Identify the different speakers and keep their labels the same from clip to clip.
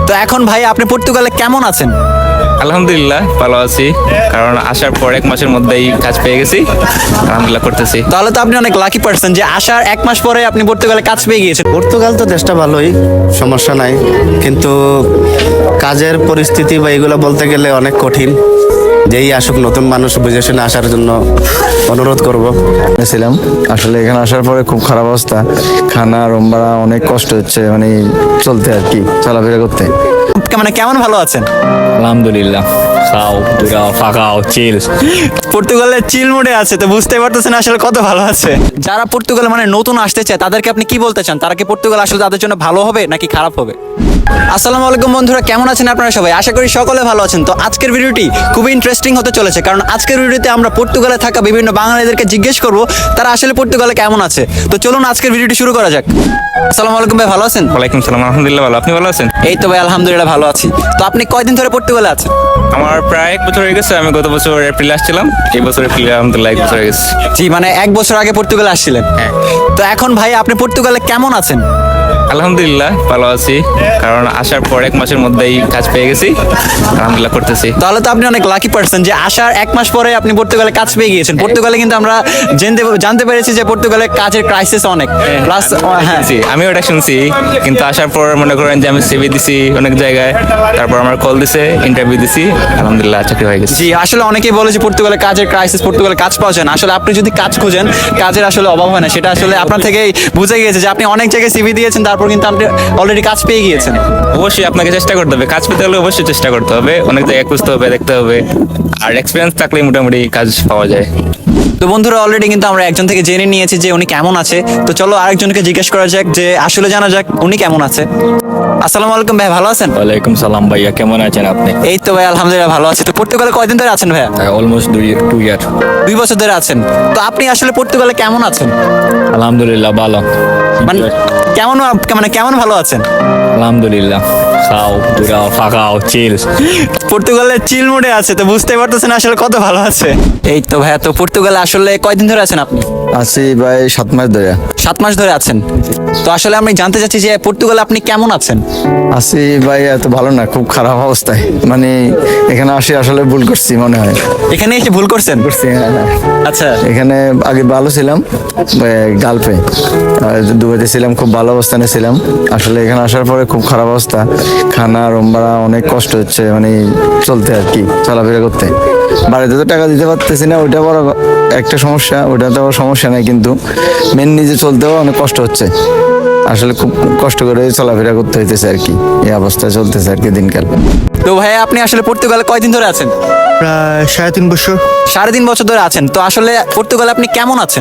Speaker 1: তো এখন ভাই আপনি পর্তুগালে কেমন আছেন?
Speaker 2: আলহামদুলিল্লাহ ভালো আছি, কারণ আসার পর 1 মাসের মধ্যেই কাজ পেয়ে গেছি। আলহামদুলিল্লাহ করতেছি।
Speaker 1: তাহলে তো আপনি অনেক লাকি পারসন যে আসার 1 মাস পরে আপনি পর্তুগালে কাজ পেয়ে গিয়েছেন।
Speaker 3: পর্তুগাল তো দেশটা ভালোই, সমস্যা নাই, কিন্তু কাজের পরিস্থিতি বা এগুলো বলতে গেলে অনেক কঠিন। যেই আসুক নতুন মানুষ বুঝে শুনে আসার জন্য অনুরোধ করব।
Speaker 4: ছিলাম আসলে এখানে আসার পরে খুব খারাপ অবস্থা, খানা রুম ভাড়া অনেক কষ্ট হচ্ছে, মানে চলতে আর কি, চলাফেরা করতে।
Speaker 1: মানে কেমন ভালো আছেন?
Speaker 5: আলহামদুলিল্লাহ, খাও দুরাও ফাঁকাও চিল।
Speaker 1: পর্তুগালের চিল মোডে আছে, তো বুঝতেই পারতেছেন আসলে কত ভালো আছে। যারা পর্তুগালে মানে নতুন আসতে চায় তাদেরকে আপনি কি বলতে চান? তারা কি পর্তুগাল আসলে তাদের জন্য ভালো হবে নাকি খারাপ হবে? আসসালামু আলাইকুম বন্ধুরা, কেমন আছেন আপনারা সবাই? আশা করি সকলে ভালো আছেন। তো আজকের ভিডিওটি খুবই ইন্টারেস্টিং হতে চলেছে, কারণ আজকের ভিডিওতে আমরা পর্তুগালে থাকা বিভিন্ন বাঙালিদেরকে জিজ্ঞেস করব তারা আসলে পর্তুগালে কেমন আছে। তো চলুন আজকের ভিডিওটি শুরু করা যাক। আসসালামু আলাইকুম ভাই, ভালো আছেন?
Speaker 2: ওয়ালাইকুম সালাম, আলহামদুলিল্লাহ ভালো। আপনি ভালো আছেন?
Speaker 1: এই তো ভাই আলহামদুলিল্লাহ ভালো আছি। তো আপনি কয়দিন ধরে পর্তুগালে আছেন?
Speaker 2: আমার প্রায় 1 বছর হয়ে গেছে। আমি গত বছর এপ্রিলে আসছিলাম, এই বছর এপ্রিলে আলহামদুলিল্লাহ 1 বছর হয়ে গেছে।
Speaker 1: জি, মানে 1 বছর আগে পর্তুগালে আসছিলেন।
Speaker 2: হ্যাঁ।
Speaker 1: তো এখন ভাই আপনি পর্তুগালে কেমন আছেন?
Speaker 2: আলহামদুলিল্লাহ ভালো আছি, কারণ আসার পর 1 মাসের মধ্যেই কাজ পেয়ে গেছি। আলহামদুলিল্লাহ করতেছি।
Speaker 1: তাহলে তো আপনি অনেক লাকি পারসন যে আসার 1 মাস পরে আপনি পর্তুগালে কাজ পেয়ে গিয়েছেন। পর্তুগালে কিন্তু আমরা জানতে পেরেছি যে পর্তুগালে কাজের ক্রাইসিস অনেক। প্লাস হ্যাঁ,
Speaker 2: জি, আমিও এটা শুনছি, কিন্তু আসার পর মনে করেন যে আমি সিভি দিছি অনেক জায়গায়, তারপর আমার কল দিছে, ইন্টারভিউ দিছি, আলহামদুলিল্লাহ চাকরি হয়ে গেছে।
Speaker 1: জি আসলে অনেকেই বলে যে পর্তুগালে কাজের ক্রাইসিস, পর্তুগালে কাজ পাওয়া যায় না। আসলে আপনি যদি কাজ খুঁজেন, কাজের আসলে অভাব হয় না। সেটা আসলে আপনার থেকেই বুঝে গিয়েছে যে আপনি অনেক জায়গায় সিভি দিয়েছেন, তারপর কিন্তু আপনি অলরেডি কাজ পেয়ে গিয়েছেন।
Speaker 2: অবশ্যই আপনাকে চেষ্টা করতে হবে, কাজ পেতে হলে অবশ্যই চেষ্টা করতে হবে, অনেক জায়গায় খুঁজতে হবে, দেখতে হবে, আর এক্সপিরিয়েন্স থাকলে মোটামুটি কাজ পাওয়া যায়।
Speaker 1: তো বন্ধুরা অলরেডি কিন্তু আমরা একজন থেকে জেনে নিয়েছি যে উনি কেমন আছে। তো চলো আরেকজনকে জিজ্ঞেস করা যাক যে আসলে জানা যাক উনি কেমন আছে। আসসালামু আলাইকুম ভাই, ভালো আছেন?
Speaker 5: ওয়ালাইকুম সালাম ভাইয়া, কেমন আছেন আপনি?
Speaker 1: এই তো ভাই আলহামদুলিল্লাহ ভালো আছি। তো পর্তুগালে কয়দিন ধরে আছেন ভাইয়া?
Speaker 5: অলমোস্ট 2 ইয়ার।
Speaker 1: 2 বছর ধরে আছেন। তো আপনি আসলে পর্তুগালে কেমন আছেন?
Speaker 5: আলহামদুলিল্লাহ ভালো।
Speaker 1: মানে কেমন ভালো আছেন?
Speaker 5: আলহামদুলিল্লাহ, খাও দুরাও ফাঁকাও চিল।
Speaker 1: পর্তুগালের চিল মোডে আছে, তো বুঝতেই পারতেছেন আসলে কত ভালো আছে। এই তো ভাইয়া, তো পর্তুগালে আসলে কয়দিন ধরে আছেন আপনি?
Speaker 4: আছি ভাই 7 মাস ধরে।
Speaker 1: 7 মাস ধরে আছেন। তো আসলে আমি জানতে চাচ্ছি যে পর্তুগালে আপনি কেমন আছেন?
Speaker 4: আছি ভাই এত ভালো না, খুব খারাপ অবস্থায়, মানে এখানে আসি আসলে ভুল করছি মনে হয়।
Speaker 1: এখানে এসে ভুল করছেন?
Speaker 4: হ্যাঁ, হ্যাঁ।
Speaker 1: আচ্ছা।
Speaker 4: এখানে আগে ভালো ছিলাম, গালফে দুবাইতে ছিলাম, খুব ভালো অবস্থানে ছিলাম। আসলে এখানে আসার পরে খুব খারাপ অবস্থা, খানা রুম ভাড়া অনেক কষ্ট হচ্ছে, মানে চলতে আর কি, চলাফেরা করতে। বাড়িতে তো টাকা দিতে পারতেছি না, ওইটা বড় একটা সমস্যা। ওইটা তো সমস্যা নাই, কিন্তু মেন নিজে চলতেও অনেক কষ্ট হচ্ছে। আসলে খুব কষ্ট করে চলাফেরা করতে হইতেছে আর কি, এই অবস্থায় চলতেছে আর কি দিনকাল।
Speaker 1: তো ভাইয়া আপনি আসলে পর্তুগালে কয়দিন ধরে আছেন?
Speaker 6: প্রায় 3.5 বছর।
Speaker 1: 3.5 বছর ধরে আছেন। তো আসলে পর্তুগালে আপনি কেমন আছেন?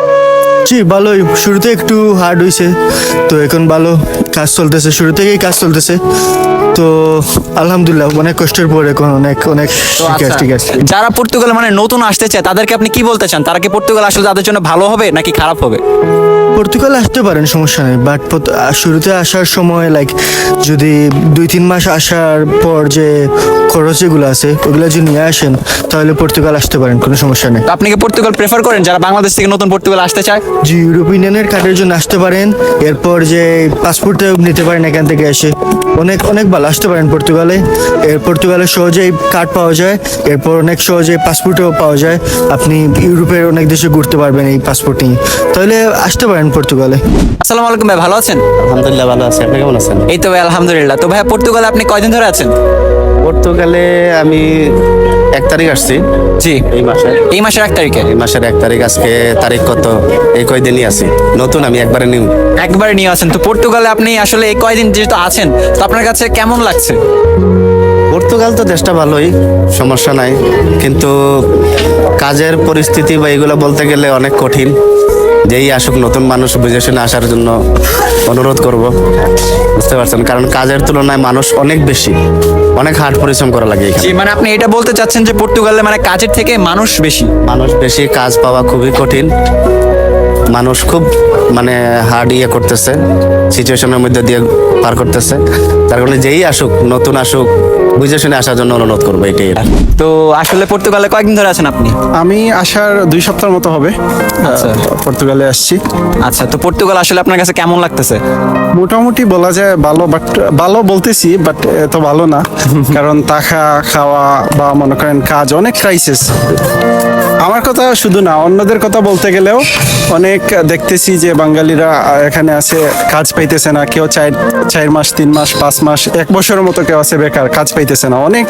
Speaker 6: জি ভালোই, শুরুতে একটু হার্ড হয়েছে, তো এখন ভালো কাজ চলতেছে, শুরু থেকেই কাজ চলতেছে। তো আলহামদুলিল্লাহ অনেক কষ্টের পর এখন অনেক অনেক
Speaker 1: তো
Speaker 6: ঠিক আছে,
Speaker 1: আচ্ছা,
Speaker 6: ঠিক আছে।
Speaker 1: যারা পর্তুগালে মানে নতুন আসতে চায় তাদেরকে আপনি কি বলতে চান? তারা কি পর্তুগাল আসলে তাদের জন্য ভালো হবে নাকি খারাপ হবে?
Speaker 6: পর্তুগাল আসতে পারেন, সমস্যা নেই, বাট শুরুতে আসার সময় লাইক যদি 2-3 মাস আসার পর যে খরচ যেগুলো আছে ওগুলো যদি নিয়ে আসেন তাহলে পর্তুগাল আসতে পারেন, কোনো সমস্যা নেই।
Speaker 1: তো আপনি কি পর্তুগাল প্রেফার করেন যারা বাংলাদেশ থেকে নতুন পর্তুগাল আসতে চায়?
Speaker 6: যে ইউরোপিয়ানের কার্ডের জন্য আসতে পারেন, এরপর যে পাসপোর্টে নিতে পারেন এখান থেকে এসে, অনেক অনেক ভালো আসতে পারেন পর্তুগালে। পর্তুগালে সহজেই কার্ড পাওয়া যায়, এরপর অনেক সহজে পাসপোর্টও পাওয়া যায়। আপনি ইউরোপের অনেক দেশে ঘুরতে পারবেন এই পাসপোর্ট নিয়ে, তাহলে আসতে পারেন পর্তুগালে।
Speaker 1: আসসালামু আলাইকুম ভাই, ভালো আছেন?
Speaker 3: আলহামদুলিল্লাহ ভালো আছি, আপনি কেমন আছেন?
Speaker 1: এই তো ভাই আলহামদুলিল্লাহ। তো ভাইয়া পর্তুগালে আপনি কয়দিন ধরে আছেন?
Speaker 3: পর্তুগালে আমি 1 তারিখ আসছি
Speaker 1: জি,
Speaker 3: এই মাসে।
Speaker 1: এই মাসের 1 তারিখে।
Speaker 3: এই মাসের 1 তারিখ, আজকে তারিখ কত? এই কয়দিনই আছি, নতুন আমি একবারে নিউ।
Speaker 1: একবারে নিয়ে আছেন। তো পর্তুগালে আপনি আসলে এই কয়দিন যেহেতু আছেন, তো আপনার কাছে কেমন লাগছে?
Speaker 3: পর্তুগাল তো দেশটা ভালোই, সমস্যা নাই, কিন্তু কাজের পরিস্থিতি বা এগুলো বলতে গেলে অনেক কঠিন। যেই আসুক নতুন মানুষ বুঝে শুনে আসার জন্য অনুরোধ করব, বুঝতে পারছেন, কারণ কাজের তুলনায় মানুষ অনেক বেশি, অনেক হার্ড পরিশ্রম করা লাগে এখানে।
Speaker 1: জি, মানে আপনি এটা বলতে চাচ্ছেন যে পর্তুগালে মানে কাজের থেকে মানুষ বেশি?
Speaker 3: মানুষ বেশি, কাজ পাওয়া খুবই কঠিন, মানুষ খুব মানে হার্ড করতেছে, সিচুয়েশনের মধ্যে দিয়ে পার করতেছে। তার কারণে যেই আসুক, নতুন আসুক, বুঝে শুনে আসার জন্য অনুরোধ করবো এটাই।
Speaker 1: তো আসলে পর্তুগালে কয়েকদিন ধরে আছেন আপনি?
Speaker 7: আমি আসার 2 সপ্তাহের মতো হবে পর্তুগালে আসছি।
Speaker 1: আচ্ছা, তো পর্তুগাল আসলে আপনার কাছে কেমন লাগতেছে?
Speaker 7: মোটামুটি বলা যায় ভালো, বাট ভালো বলতেছি বাট এত ভালো না, কারণ থাকা খাওয়া বা মনে করেন কাজ অনেক ক্রাইসিস। আমার কথা শুধু না, অন্যদের কথা বলতে গেলেও অনেক দেখতেছি যে বাঙালিরা এখানে আছে, কাজ পাইতেছে না, কেউ 4 মাস 3 মাস 5 মাস 1 বছরের মতো কেউ আছে বেকার, কাজ পাইতেছে না, অনেক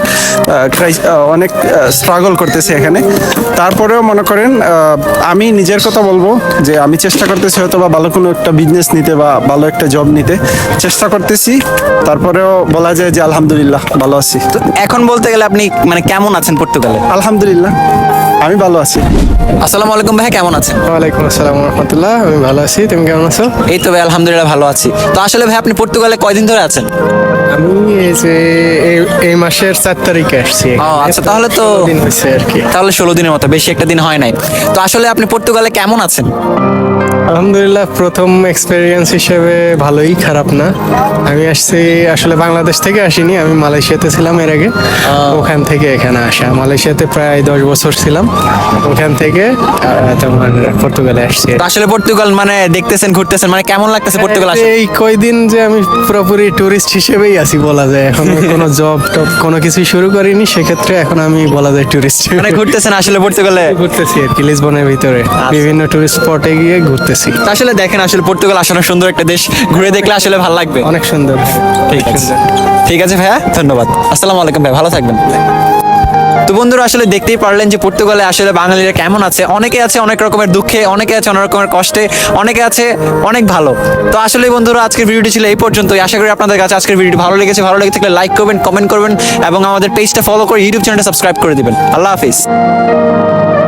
Speaker 7: অনেক স্ট্রাগল করতেছে এখানে। তারপরেও মনে করেন আমি নিজের কথা বলবো যে আমি চেষ্টা করতেছি হয়তো বা ভালো কোনো একটা বিজনেস নিতে বা ভালো একটা জব নিতে চেষ্টা করতেছি। তারপরেও বলা যায় যে আলহামদুলিল্লাহ ভালো আছি।
Speaker 1: তো এখন বলতে গেলে আপনি মানে কেমন আছেন পর্তুগালে?
Speaker 7: আলহামদুলিল্লাহ আমি ভালো আছি।
Speaker 1: আসসালামু আলাইকুম ভাই, কেমন আছেন?
Speaker 8: ওয়ালাইকুম আসসালাম রহমতুল্লাহ, আমি ভালো আছি, তুমি কেমন আছো?
Speaker 1: এই তো ভাই আলহামদুলিল্লাহ ভালো আছি। তো আসলে ভাই আপনি পর্তুগালে কয়দিন ধরে আছেন?
Speaker 8: আমি এই যে এই মাসের 4 তারিখে আসছি।
Speaker 1: ও আচ্ছা, তাহলে তো
Speaker 8: 16 দিন হয়েছে আর কি।
Speaker 1: তাহলে 16 দিনের মতো, বেশি একটা দিন হয় নাই। তো আসলে আপনি পর্তুগালে কেমন আছেন?
Speaker 8: আলহামদুলিল্লাহ, প্রথম এক্সপেরিয়েন্স হিসেবে ভালোই, খারাপ না। আমি আসছি আসলে বাংলাদেশ থেকে আসিনি, আমি মালয়েশিয়াতে ছিলাম এর আগে, ওখান থেকে এখানে আসা। মালয়েশিয়াতে প্রায় 10 বছর ছিলাম, ওখান থেকে তোমার পর্তুগালে আসছি।
Speaker 1: তো আসলে পর্তুগাল মানে দেখতেছেন, ঘুরতেছেন, মানে কেমন লাগতেছে পর্তুগাল আসলে?
Speaker 8: এই কয়দিন যে আমি পুরোপুরি টুরিস্ট হিসেবেই আছি বলা যায়, এখন কোনো জব টব কোনো কিছুই শুরু করিনি, সেক্ষেত্রে এখন আমি বলা যায় টুরিস্ট।
Speaker 1: মানে ঘুরতেছেন আসলে পর্তুগালে?
Speaker 8: ঘুরতেছি আর কি, লিসবনের ভিতরে বিভিন্ন টুরিস্ট স্পটে গিয়ে ঘুরতেছি।
Speaker 1: তো আসলে দেখেন, আসলে পর্তুগাল আসলে সুন্দর একটা দেশ, ঘুরে দেখলে আসলে ভালো লাগবে।
Speaker 8: অনেক সুন্দর।
Speaker 1: ঠিক আছে, ঠিক আছে ভাইয়া, ধন্যবাদ। আসসালামু আলাইকুম ভাই, ভালো থাকবেন। তো বন্ধুরা আসলে দেখতেই পারলেন যে পর্তুগালে আসলে বাঙালিরা কেমন আছে। অনেকে আছে অনেক রকমের দুঃখে, অনেকে আছে অনেক রকমের কষ্টে, অনেকে আছে অনেক ভালো। তো আসলে বন্ধুরা আজকের ভিডিওটি ছিল এই পর্যন্তই। আশা করি আপনাদের কাছে আজকের ভিডিওটি ভালো লেগেছে। ভালো লেগে থাকলে লাইক করবেন, কমেন্ট করবেন এবং আমাদের পেজটা ফলো করে ইউটিউব চ্যানেলটা সাবস্ক্রাইব করে দিবেন। আল্লাহ হাফিজ।